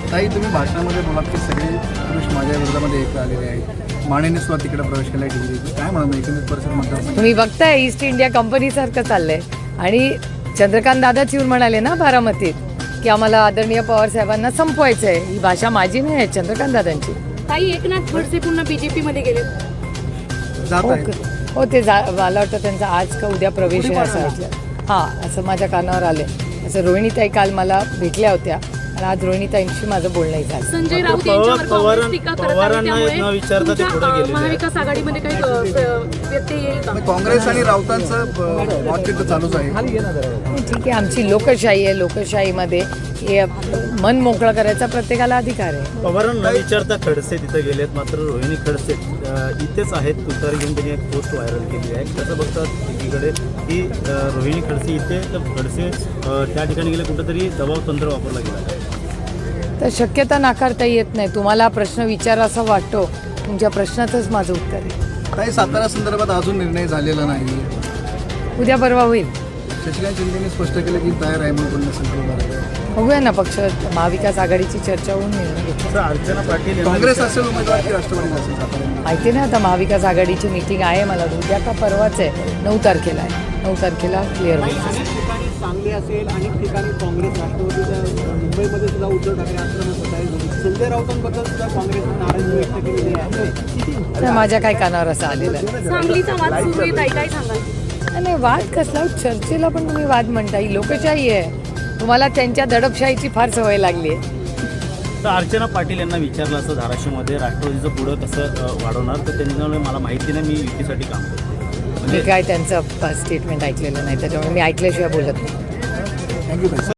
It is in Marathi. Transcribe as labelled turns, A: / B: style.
A: ताई, तुम्ही भाषणामध्ये बोलात की सगळे पुरुष माझ्या विरोधामध्ये एकत्र आलेले आहेत. मानेने सुद्धा तिकडे प्रवेश केला डिग्री. काय म्हणून 19% मतदार
B: तुम्ही बघताय ईस्ट इंडिया कंपनीसारखं चाललंय. आणि चंद्रकांत दादाच येऊन म्हणाले ना बारामतीत की आम्हाला आदरणीय पवार साहेबांना संपवायचं आहे. ही भाषा माझी नाही आहे, चंद्रकांत दादांची.
C: ताई, एकनाथ खडसे पुन्हा बीजेपी मध्ये गेले.
B: हो ते मला वाटतं त्यांचा आज का उद्या प्रवेश आहे असं ऐकलं. हां, असं माझ्या कानावर आले. असं रोहिणीताई काल मला भेटल्या होत्या आणि आज रोहिणीताईंशी माझं बोलणंही झालं.
C: संजय राऊत यांच्यावर काँग्रेस टीका करत आहे, त्यामुळे महाविकास आघाडीमध्ये काही व्यत्यय येईल का?
A: काँग्रेस आणि राऊतांचं वादचित्र चालूच आहे.
B: ठीक आहे, आमची लोकशाही आहे. लोकशाहीमध्ये हे मन मोकळं करायचा प्रत्येकाला अधिकार आहे.
D: पवारांना विचारता खडसे तिथे गेलेत, मात्र रोहिणी खडसे इथेच आहेत. तुतारी घेऊन त्यांनी एक पोस्ट व्हायरल केली आहे. कसं बघतात एकीकडे की रोहिणी खडसे इथे, तर खडसे त्या ठिकाणी गेले, कुठंतरी दबाव तंत्र वापरला गेला आहे.
B: तर शक्यता नाकारता येत नाही. तुम्हाला प्रश्न विचारा असा वाटतो, तुमच्या प्रश्नातच माझं उत्तर आहे.
A: ताई, सातारा संदर्भात अजून निर्णय झालेला नाही.
B: उद्या परवा होईल.
A: शशिकांत शिंदेने स्पष्ट केलं की तयार आहे म्हणून संकल्प.
B: बघूया ना, पक्ष महाविकास आघाडीची चर्चा होऊन निर्णय घेतला.
D: अर्चना पाटील
A: काँग्रेस असेल उमेदवार की राष्ट्रवादी असेल सातारा?
B: माहिती नाही, आता महाविकास आघाडीची मीटिंग आहे. मला उद्या का परवाच आहे, 9 तारखेला आहे. 9 तारखेला क्लिअर होईल.
E: सांगली असेल, अनेक ठिकाणी काँग्रेस राष्ट्रवादीच्या मुंबईमध्ये सुद्धा उद्धव ठाकरे आक्रमक होत आहे. संजय राऊतांबद्दल सुद्धा काँग्रेसने नाराजी व्यक्त केलेली आहे.
B: तर माझ्या काय कानावर असं आलेलं आहे.
C: सांगलीचा वाद सुरू आहे, ताई काय सांगाल?
B: नाही, वाद कसला? चर्चेला पण तुम्ही वाद म्हणता. ही लोकशाही आहे. तुम्हाला त्यांच्या दडपशाहीची फार सवय लागली आहे.
D: तर अर्चना पाटील यांना विचारलं असं धाराशिवमध्ये राष्ट्रवादीचं पुढं कसं वाढवणार, तर त्यांच्यामुळे मला माहिती नाही, मी युतीसाठी काम करते.
B: मी काय त्यांचं स्टेटमेंट ऐकलेलं नाही, त्याच्यामुळे मी ऐकल्याशिवाय बोलत नाही.
A: थँक्यू ताई.